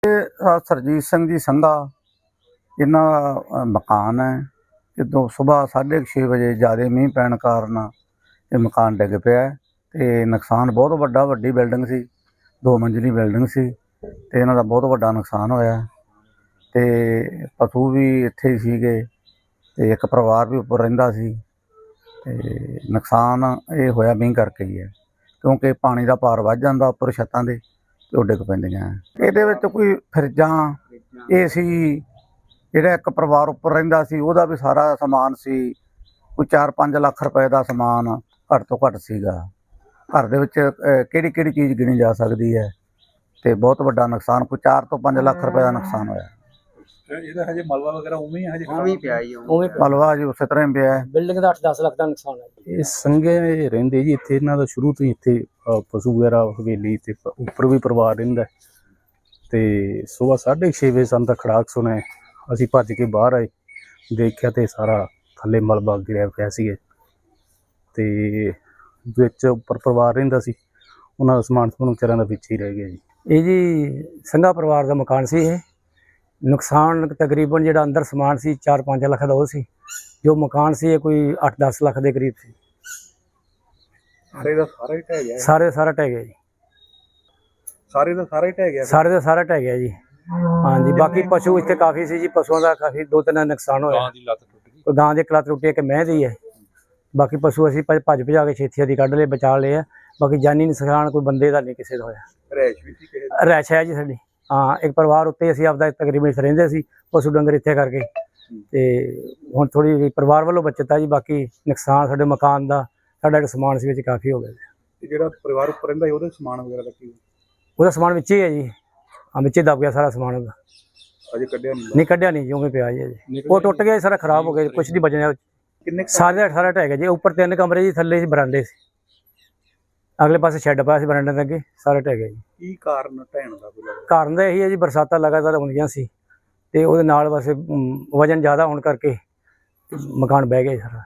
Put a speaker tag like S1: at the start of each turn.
S1: सरजीत सिंह जी संघा इन्हां दा मकान है। ਜਦੋਂ सुबह 6:30 ਵਜੇ ज़्यादा मींह पैण कारण ये मकान डिग पिया ते नुकसान बहुत वड्डा, वड्डी बिल्डिंग सी, 2 मंजिली बिल्डिंग सी ते इन्हां दा बहुत वड्डा नुकसान होया ते पशु भी इत्थे ही सीगे ते एक परिवार भी उप्पर रहिंदा सी ते नुकसान ये होया मींह करके ही है क्योंकि पानी दा पार वध जांदा उप्पर छत्तां दे ते ओह डिग पैंदियां। इहदे विच कोई फ्रिजां AC ਜਿਹੜਾ ਇੱਕ ਪਰਿਵਾਰ ਉੱਪਰ ਰਹਿੰਦਾ ਸੀ ਉਹਦਾ ਵੀ ਸਾਰਾ ਸਮਾਨ ਸੀ, ਕੋਈ 4-5 ਲੱਖ ਰੁਪਏ ਦਾ ਸਮਾਨ ਘੱਟ ਤੋਂ ਘੱਟ ਸੀਗਾ। ਘਰ ਦੇ ਵਿੱਚ ਕਿਹੜੀ ਕਿਹੜੀ ਚੀਜ਼ ਗਿਣੀ ਜਾ ਸਕਦੀ ਹੈ ਤੇ ਬਹੁਤ ਵੱਡਾ ਨੁਕਸਾਨ, ਕੋਈ 4 ਤੋਂ 5 ਲੱਖ ਰੁਪਏ ਦਾ ਨੁਕਸਾਨ ਹੋਇਆ।
S2: ਇਹਦਾ ਹਜੇ ਮਲਬਾ ਵਗੈਰਾ ਉਵੇਂ ਹੀ ਹਜੇ
S3: ਉਵੇਂ ਪਿਆ ਜੀ,
S1: ਉਵੇਂ ਮਲਬਾ ਜੀ ਉਸੇ ਤਰ੍ਹਾਂ ਹੀ ਪਿਆ ਹੈ।
S3: ਬਿਲਡਿੰਗ ਦਾ 8-10 ਲੱਖ ਦਾ ਨੁਕਸਾਨ ਹੈ।
S2: ਇਹ ਸੰਘੇ ਰਹਿੰਦੇ ਜੀ ਇੱਥੇ, ਇਹਨਾਂ ਦਾ ਸ਼ੁਰੂ ਤੋਂ ਹੀ ਇੱਥੇ ਪਸ਼ੂ ਵਗੈਰਾ ਹਵੇਲੀ ਤੇ ਉੱਪਰ ਵੀ ਪਰਿਵਾਰ ਰਹਿੰਦਾ ਤੇ ਸਵੇਰ 6:30 ਵਜੇ ਸਾਨੂੰ ਤਾਂ ਖੜਾਕ ਸੁਣਿਆ, ਅਸੀਂ ਭੱਜ ਕੇ ਬਾਹਰ ਆਏ, ਦੇਖਿਆ ਤੇ ਸਾਰਾ ਥੱਲੇ ਮਲਬਾ ਗਿਰਿਆ ਪਿਆ ਸੀ ਤੇ ਵਿੱਚ ਉੱਪਰ ਪਰਿਵਾਰ ਰਹਿੰਦਾ ਸੀ, ਉਹਨਾਂ ਦਾ ਸਮਾਨ ਸਮੂਨ ਵਿਚਾਰਿਆਂ ਦਾ ਵਿੱਚ ਹੀ ਰਹਿ ਗਿਆ ਜੀ।
S3: ਇਹ ਜੀ ਸੰਘਾ ਪਰਿਵਾਰ ਦਾ ਮਕਾਨ ਸੀ। ਇਹ ਨੁਕਸਾਨ ਤਕਰੀਬਨ ਜਿਹੜਾ ਅੰਦਰ ਸਮਾਨ ਸੀ 4-5 ਲੱਖ ਦਾ ਉਹ ਸੀ, ਜੋ ਮਕਾਨ ਸੀ ਇਹ ਕੋਈ 8-10 ਲੱਖ ਦੇ ਕਰੀਬ ਸੀ।
S2: ਸਾਰੇ ਦਾ ਸਾਰਾ ਹੀ ਢਹਿ ਗਿਆ,
S3: ਸਾਰਾ ਢਹਿ ਗਿਆ ਜੀ,
S2: ਸਾਰੇ ਦਾ ਸਾਰਾ ਹੀ ਢਹਿ ਗਿਆ,
S3: ਸਾਰੇ ਦਾ ਸਾਰਾ ਢਹਿ ਗਿਆ ਜੀ। ਹਾਂਜੀ, ਬਾਕੀ ਪਸ਼ੂ ਇੱਥੇ ਕਾਫੀ ਸੀ ਜੀ, ਪਸ਼ੂਆਂ ਦਾ ਕਾਫੀ 2-3 ਨੁਕਸਾਨ ਹੋਇਆ।
S2: ਗਾਂ ਦੀ ਲੱਤ ਟੁੱਟ ਗਈ,
S3: ਕੋਈ ਗਾਂ ਦੀ ਇੱਕ ਲੱਤ ਟੁੱਟੀ, ਇੱਕ ਮਹਿ ਦੀ ਹੈ। ਬਾਕੀ ਪਸ਼ੂ ਅਸੀਂ ਭੱਜ ਭਜਾ ਕੇ ਛੇਤੀ ਦੀ ਕੱਢ ਲਏ, ਬਚਾ ਲਏ ਆ। ਬਾਕੀ ਜਾਨੀ ਨੁਕਸਾਨ ਕੋਈ ਬੰਦੇ ਦਾ ਨਹੀਂ, ਕਿਸੇ ਦਾ ਹੋਇਆ।
S2: ਰੈਸ਼ ਵੀ ਸੀ ਕਿਸੇ ਦੀ?
S3: ਰੈਸ਼ ਹੈ ਜੀ ਸਾਡੀ, ਹਾਂ। ਇੱਕ ਪਰਿਵਾਰ ਉੱਤੇ ਅਸੀਂ ਆਪਦਾ ਤਕਰੀਬਨ ਇੱਥੇ ਰਹਿੰਦੇ ਸੀ, ਪਸ਼ੂ ਡੰਗਰ ਇੱਥੇ ਕਰਕੇ ਤੇ ਹੁਣ ਥੋੜੀ ਪਰਿਵਾਰ ਵੱਲੋਂ ਬਚਤ ਆ ਜੀ। ਬਾਕੀ ਨੁਕਸਾਨ ਸਾਡੇ ਮਕਾਨ ਦਾ, ਸਾਡਾ ਜਿਹੜਾ ਸਮਾਨ ਸੀ ਵਿੱਚ ਕਾਫੀ ਹੋ ਗਿਆ।
S2: ਤੇ ਜਿਹੜਾ ਪਰਿਵਾਰ ਉੱਪਰ ਰਹਿੰਦਾ ਸੀ ਉਹਦੇ ਸਮਾਨ ਵਗੈਰਾ ਦਾ ਕੀ?
S3: ਉਹਦਾ ਸਮਾਨ ਵਿੱਚ ਹੀ ਹੈ ਜੀ, ਹਾਂ, ਵਿੱਚ ਹੀ ਦਬ ਗਿਆ ਸਾਰਾ ਸਮਾਨ ਉਹਦਾ।
S2: ਅਜੇ ਕੱਢਿਆ ਨਹੀਂ?
S3: ਨਹੀਂ ਕੱਢਿਆ ਨਹੀਂ ਜੀ, ਉਵੇਂ ਪਿਆ ਜੀ ਅਜੇ। ਉਹ ਟੁੱਟ ਗਿਆ ਸਾਰਾ, ਖਰਾਬ ਹੋ ਗਿਆ, ਕੁਛ ਨਹੀਂ ਬਚਿਆ।
S2: ਕਿੰਨੇ
S3: ਸਾਰਾ ਢਹਿ ਗਿਆ ਜੀ। ਉੱਪਰ 3 ਕਮਰੇ ਜੀ, ਥੱਲੇ ਬਰਾਂਡੇ ਸੀ, ਅਗਲੇ ਪਾਸੇ ਸ਼ੈੱਡ ਪਾਇਆ ਸੀ ਬਰਾਂਡੇ ਦੇ ਅੱਗੇ, ਸਾਰਾ ਢਹਿ ਗਿਆ ਜੀ।
S2: ਕੀ ਕਾਰਨ ਢਹਿਣ ਦਾ? ਕੋਈ
S3: ਕਾਰਨ ਤਾਂ ਇਹੀ ਹੈ ਜੀ, ਬਰਸਾਤਾਂ ਲਗਾਤਾਰ ਹੁੰਦੀਆਂ ਸੀ ਤੇ ਉਹਦੇ ਨਾਲ ਬਸ ਵਜਨ ਜ਼ਿਆਦਾ ਹੋਣ ਕਰਕੇ ਮਕਾਨ ਬਹਿ ਗਿਆ ਸਾਰਾ।